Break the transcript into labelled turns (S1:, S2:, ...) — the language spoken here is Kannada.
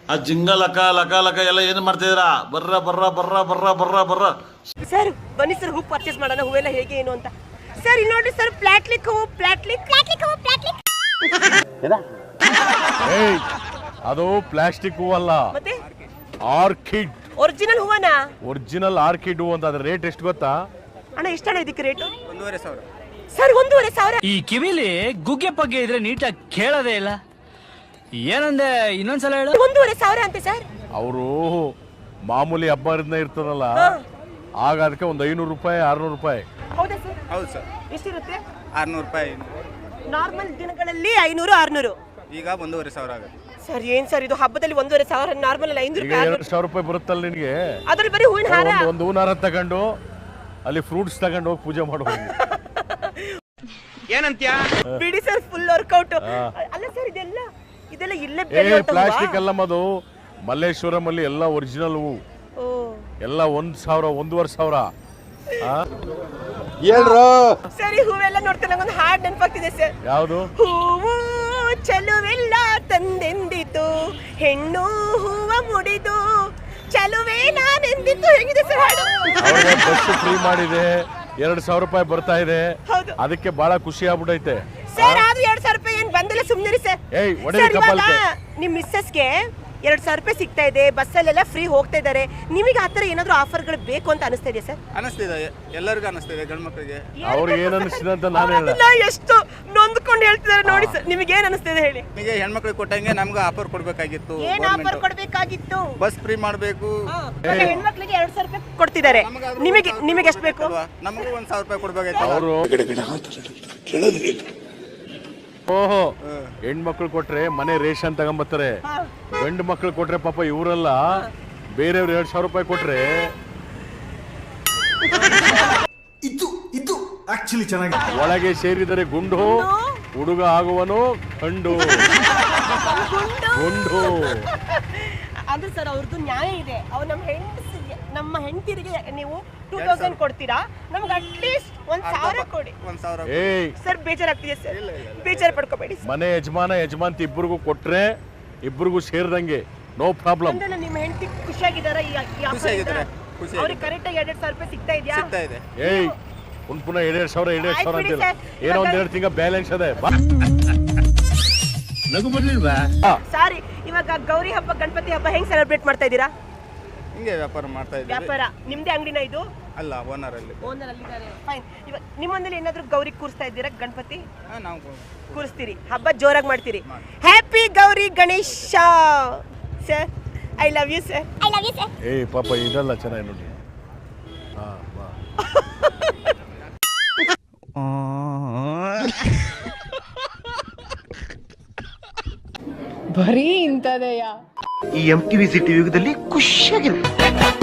S1: ಆ ಜಿಂಗ ಲಕ ಲಕ ಲಕ ಎಲ್ಲ ಏನು ಮಾಡ್ತಿದ್ದೀರಾ? ಬರ್ರ ಬರ್ರ ಬರ್ರ ಬರ್ರ ಬರ್ರ ಬರ್ರ.
S2: ಸರ್ ಬನ್ನಿ ಸರ್, ಹೂ ಪರ್ಚೇಸ್ ಮಾಡೋಣ. ಹೂವೆಲ್ಲ ಹೇಗೆ ಏನು ಅಂತ. ಸರ್ ಇಲ್ಲಿ ನೋಡಿ ಸರ್, ಪ್ಲಾಟ್ಲಿಕ್ ಹೂವು. ಪ್ಲಾಟ್ಲಿಕ್
S3: ಏಯ್, ಅದು ಪ್ಲಾಸ್ಟಿಕ್ ಹೂವಲ್ಲ,
S2: ಮತ್ತೆ
S3: ಆರ್ಕಿಡ್.
S2: ಒರಿಜಿನಲ್ ಹೂವನಾ?
S3: ಒರಿಜಿನಲ್ ಆರ್ಕಿಡ್ ಹೂ ಅಂತ. ಅದ್ರ ರೇಟ್ ಎಷ್ಟು ಗೊತ್ತಾ?
S2: ಅಣ್ಣ ಎಷ್ಟಣ್ಣ ಇದಕ್ಕೆ ರೇಟು?
S4: 1,500.
S2: ಸರ್ 1,500.
S5: ಈ ಕಿವಿಲಿ ಗುಗ್ಗೆ ಪಗ್ಗೆ ಇದ್ರೆ ನೀಟಾಗಿ ಕೇಳೋದೇ ಇಲ್ಲ. ಏನಂದೆ ಇನ್ನೊಂದ್ಸಲ ಹೇಳು.
S2: 1,500 ಅಂತೆ ಸರ್.
S3: ಅವರು ಮಾಮೂಲಿ ಹಬ್ಬ ಇರ್ತದಲ್ಲ, ಆಗ ಅದಕ್ಕೆ ಒಂದು 500 ರೂಪಾಯಿ 600 ರೂಪಾಯಿ.
S2: ಹೌದಾ ಸರ್?
S4: ಹೌದು ಸರ್.
S2: ಎಷ್ಟಿರುತ್ತೆ?
S4: 600 ರೂಪಾಯಿ.
S2: ನಾರ್ಮಲ್ ದಿನಗಳಲ್ಲಿ 500 600.
S4: ಈಗ 1,500 ಆಗುತ್ತೆ.
S2: ಸರ್ ಏನ್ ಸರ್ ಇದು? ಹಬ್ಬದಲ್ಲಿ 1,500, ನಾರ್ಮಲ್ ಅಲ್ಲಿ 500
S3: ಈಗ
S2: ರೂಪಾಯಿ.
S3: 2,000 ರೂಪಾಯಿ ಬರುತ್ತಲ್ಲ ನಿನಗೆ.
S2: ಅದ್ರಲ್ಲಿ ಬರೀ ಹೂವಿನ ಹಾರ.
S3: ಒಂದು ಹೂವಿನ ಹಾರ ತಗೊಂಡು ಅಲ್ಲಿ ಫ್ರೂಟ್ಸ್ ತಗೊಂಡು ಹೋಗಿ ಪೂಜೆ ಮಾಡಬಹುದು.
S4: ಏನಂತ್ಯ?
S2: ಬಿಡಿ ಸರ್, ಫುಲ್ ವರ್ಕೌಟ್. ಅಲ್ಲ ಸರ್, ಇದೆಲ್ಲ ಇಲ್ಲೇ ಬೆಳೆಯುವಂತ
S3: ಪ್ಲಾಸ್ಟಿಕ್ ಅಲ್ಲ ಮದು. ಮಲ್ಲೇಶ್ವರಂ ಅಲ್ಲಿ ಎಲ್ಲ ಒರಿಜಿನಲ್ ಹೂ. ಎಲ್ಲ 1,000 1,500.
S2: ಸರಿ, ಹೂವೆಲ್ಲ ನೋಡ್ತಾ ನಂಗೊಂದು ಹಾಡ್ ನೆನಪಾಗ್ತಿದೆ ಸರ್.
S3: ಯಾವುದು?
S2: ಹೂವು ಚಲುವೆಲ್ಲ ತಂದೆಂದಿತು, ಹೆಣ್ಣು ಹೂವ ಮುಡಿದು ಚಲುವೆ ನಾನೆಂದಿತ್ತು. ಹೇಗಿದೆ ಸರ್ ಹಾಡು?
S3: ಬಸ್ ಫ್ರೀ ಮಾಡಿದೆ, 2,000 ರೂಪಾಯಿ ಬರ್ತಾ ಇದೆ.
S2: ಹೌದು.
S3: ಅದಕ್ಕೆ ಬಹಳ ಖುಷಿ ಆಗ್ಬಿಟ್ಟೈತೆ
S2: ಸರ್. ಅದು 2,000 ರೂಪಾಯಿ ಏನ್ ಬಂದಿಲ್ಲ, ಸುಮ್ನಿರಿ ಸರ್.
S3: ಏಯ್,
S2: ಸರ್, ಇವಾಗ ನಿಮ್ ಮಿಸ್ಸಸ್ಗೆ 2,000 ರೂಪಾಯಿ ಸಿಗ್ತಾ ಇದೆ, ಬಸ್ಸಲ್ಲೆಲ್ಲ ಫ್ರೀ ಹೋಗ್ತಾ ಇದಾರೆ. ನಿಮಗೆ ಆತರ ಏನಾದ್ರು ಆಫರ್ಗಳು ಬೇಕು ಅಂತ ಅನಿಸ್ತಾ ಇದೆಯಾ ಸರ್?
S4: ಅನಿಸ್ತಿದೆ, ಎಲ್ಲರಿಗೂ ಅನಿಸ್ತಿದೆ, ಗಂಡು ಮಕ್ಕಳಿಗೆ.
S3: ಅವ್ರಿಗೆ ಏನ್ ಅನಿಸ್ತಿದೆ ಅಂತ ನಾನು ಹೇಳ.
S2: ಎಷ್ಟು ನೊಂದ್ಕೊಂಡು ಹೇಳ್ತಿದ್ದಾರೆ ನೋಡಿ ಸರ್. ನಿಮಗೆ ಏನ್ ಅನಿಸ್ತಿದೆ ಹೇಳಿ?
S4: ನಿಮಗೆ ಹೆಣ್ಮಕ್ಳಿಗೆ ಕೊಟ್ಟಂಗೆ ನಮ್ಗೆ ಆಫರ್ ಕೊಡ್ಬೇಕಾಗಿತ್ತು.
S2: ಏನ್ ಆಫರ್ ಕೊಡ್ಬೇಕಾಗಿತ್ತು?
S4: ಬಸ್ ಫ್ರೀ ಮಾಡಬೇಕು.
S2: ಹೆಣ್ಮಕ್ಳಿಗೆ 2,000 ರೂಪಾಯಿ ಕೊಡ್ತಿದ್ದಾರೆ. ನಿಮಗೆ ಎಷ್ಟು ಬೇಕು?
S4: ನಮಗೂ 1,000 ರೂಪಾಯಿ ಕೊಡ್ಬೇಕಾಗಿತ್ತು.
S3: ಅವರು ಓಹೋ, ಹೆಣ್ಮಕ್ಳು ಕೊಟ್ರೆ ಮನೆ ರೇಷನ್ ತಗೊಂಬತ್ತಾರೆ. ಗಂಡು ಮಕ್ಳು ಕೊಟ್ರೆ ಪಾಪ ಇವರೆಲ್ಲ ಬೇರೆಯವ್ರು 2,000 ರೂಪಾಯಿ ಕೊಟ್ರೆ.
S6: ಇದು ಆಕ್ಚುಲಿ ಚೆನ್ನಾಗಿ.
S3: ಒಳಗೆ ಸೇರಿದರೆ ಗುಂಡು, ಹುಡುಗ ಆಗುವನು ಗಂಡು. ಗುಂಡು
S2: ಅಂದ್ರೆ ಸರ್ ಅವ್ರದ್ದು ನ್ಯಾಯ ಇದೆ. ಅವ್ರು ನಮ್ಮ ಹೆಂಡತಿರಿಗೆ ನೀವು 2,000 ಕೊಡ್ತೀರಾ, ನಮ್ಗೆ ಅಟ್ಲೀಸ್ಟ್ 1,000 ಕೊಡಿ.
S4: 1,000.
S3: ಏಯ್,
S2: ಸರ್ ಬೇಜಾರಾಗ್ತಿದೆ ಸರ್. ಬೇಜಾರು ಪಡ್ಕೋಬೇಡಿ.
S3: ಮನೆ ಯಜಮಾಂತಿ ಇಬ್ಬರಿಗೂ ಕೊಟ್ರೆ ಇಬ್ಬರಿಗೂ ಸೇರಿದಂಗೆ, ನೋ ಪ್ರಾಬ್ಲಮ್.
S2: ಅಂದ್ರೆ ನಿಮ್ಮ ಹೆಂಡತಿ ಖುಷಿಯಾಗಿದ್ದಾರಾ? ಅವ್ರಿಗೆ ಕರೆಕ್ಟ್ ಆಗಿ 2,000 ರೂಪಾಯಿ ಸಿಗ್ತಾ ಇದೆಯಾ?
S4: ಸಿಗ್ತಾ ಇದೆ.
S3: ಏಯ್, ಪುನಃ 2,000 ಅಂತಿಲ್ಲ. ಏನೋ 1-2 ತಿಂಗಳ ಬ್ಯಾಲೆನ್ಸ್ ಅದೇ.
S1: ನಗು ಬರ್ಲಿಲ್ವಾ?
S2: ಸಾರಿ, ಇವಾಗ ಗೌರಿ ಹಬ್ಬ, ಗಣಪತಿ ಹಬ್ಬ ಹೆಂಗ್ ಸೆಲೆಬ್ರೇಟ್ ಮಾಡ್ತಾ ಇದ್ದೀರಾ?
S4: ಹಿಂಗೆ ವ್ಯಾಪಾರ ಮಾಡ್ತಾ ಇದ್ದೀವಿ.
S2: ವ್ಯಾಪಾರ ನಿಮ್ದೇ ಅಂಗಡಿನ ಇದು?
S4: ಅಲ್ಲ, ಓನರ್ ಅಲ್ಲಿ.
S2: ಓನರ್ ಅಲ್ಲಿ ಇದ್ದಾರೆ. ಫೈನ್. ಇವಾಗ ನಿಮ್ಮಂದಲ್ಲಿ ಏನಾದ್ರು ಗೌರಿ ಕೂರಿಸ್ತಾ ಇದ್ದೀರಾ? ಗಣಪತಿ
S4: ನಾವು
S2: ಕೂರಿಸ್ತೀರಿ, ಹಬ್ಬ ಜೋರಾಗಿ ಮಾಡ್ತೀರಿ. Happy Gauri Ganesha sir. I love you sir.
S3: ಏಯ್ ಪಾಪ, ಇದೆಲ್ಲ ಚೆನ್ನಾಗಿ ನೋಡಿ.
S7: ಬರೀ ಇಂಥದೆಯಾ?
S6: ಈ MTV ಸಿಟಿ ಯುಗದಲ್ಲಿ ಖುಷಿಯಾಗಿರುತ್ತೆ.